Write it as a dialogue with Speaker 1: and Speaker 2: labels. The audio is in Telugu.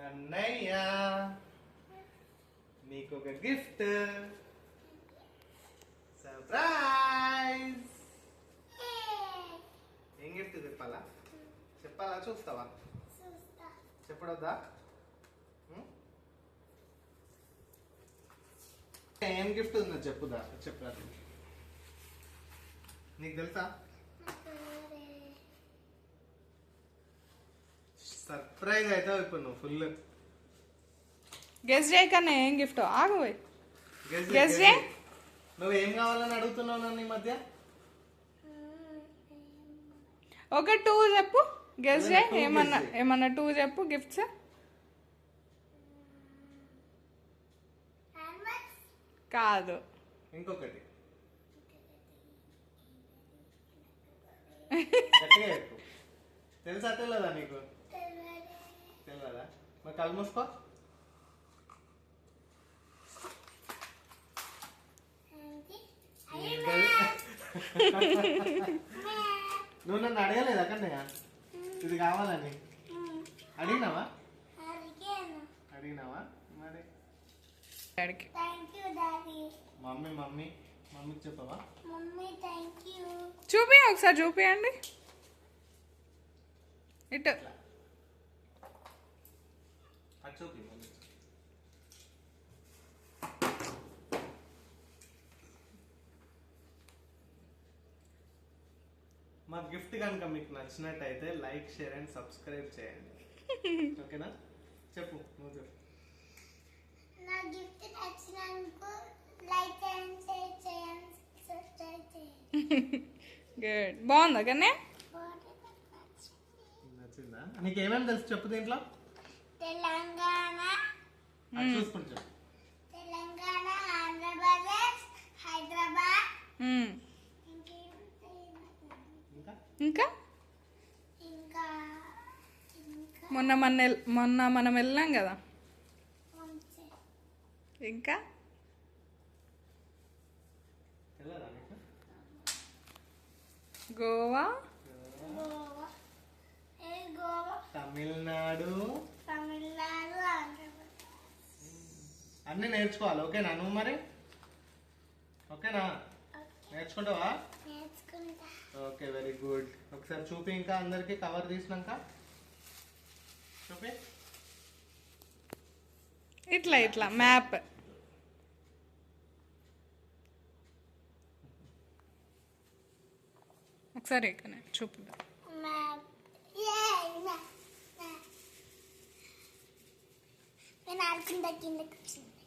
Speaker 1: అన్నయ్య మీకు ఒక గిఫ్ట్ సర్ప్రైజ్. ఏం గిఫ్ట్ చెప్పాలా? చెప్పాలా చూస్తావా? చెప్పడొద్దా? ఏం గిఫ్ట్ ఉందో చెప్పుదా? చెప్పురా. నీకు తెలుసా? సర్ప్రైజ్ అవుతావు ఇప్పుడు నువ్వు ఫుల్.
Speaker 2: గెస్ చేయకన్నా ఏం గిఫ్ట్ ఆగు. గెస్ చేయి.
Speaker 1: నువ్వు ఏం కావాలని అడుగుతున్నావు నన్ను ఈ మధ్య?
Speaker 2: ఒక 2 చెప్పు. గెస్ చేయి. ఏమన్నా 2 చెప్పు గిఫ్ట్స్. కాదు,
Speaker 1: ఇంకొకటి. తెలుసా తెలియదా నీకు? తెలియదా? మరి కళ్ళు మూసుకో. నువ్వు నన్ను అడగలేదా కన్నయ్య ఇది కావాలని? అడిగినావా? మరి మమ్మీకి చెప్పవా?
Speaker 2: చూపి ఒకసారి చూపియండి. ఇటు
Speaker 1: చూపి. మా గిఫ్ట్ కనుక మీకు నచ్చినట్టయితే లైక్, షేర్ అండ్ సబ్స్క్రైబ్ చేయండి. ఓకేనా? చెప్పు, నువ్వు చెప్పు.
Speaker 3: నా గిఫ్ట్ నచ్చినందుకు లైక్ అండ్ షేర్ చేయండి, సబ్స్క్రైబ్ చేయండి.
Speaker 2: గుడ్. బాగుందా కన్నా?
Speaker 1: నచ్చిందా? నీకు ఏమేమి తెలుసు చెప్పు దీంట్లో.
Speaker 3: తెలంగాణ,
Speaker 1: చూసుకుని చెప్పు.
Speaker 3: తెలంగాణ, ఆంధ్రప్రదేశ్, హైదరాబాద్,
Speaker 2: ఇంకా మొన్న మనం వెళ్ళాం కదా. ఇంకా గోవా,
Speaker 1: తమిళనాడు,
Speaker 3: ఆంధ్రప్రదేశ్
Speaker 1: అన్నీ నేర్చుకోవాలి. ఓకేనా నువ్వు మరి? ఓకేనా? నేర్చుకుంటావా? Okay, very good. ఒకసారి చూపి ఇంకా అందరికి కవర్ తీసినాక చూపి.
Speaker 2: ఇట్లా మ్యాప్. ఒకసారి చూపుదా.
Speaker 3: నేను ఆడుకుంటా కిందకి వచ్చింది.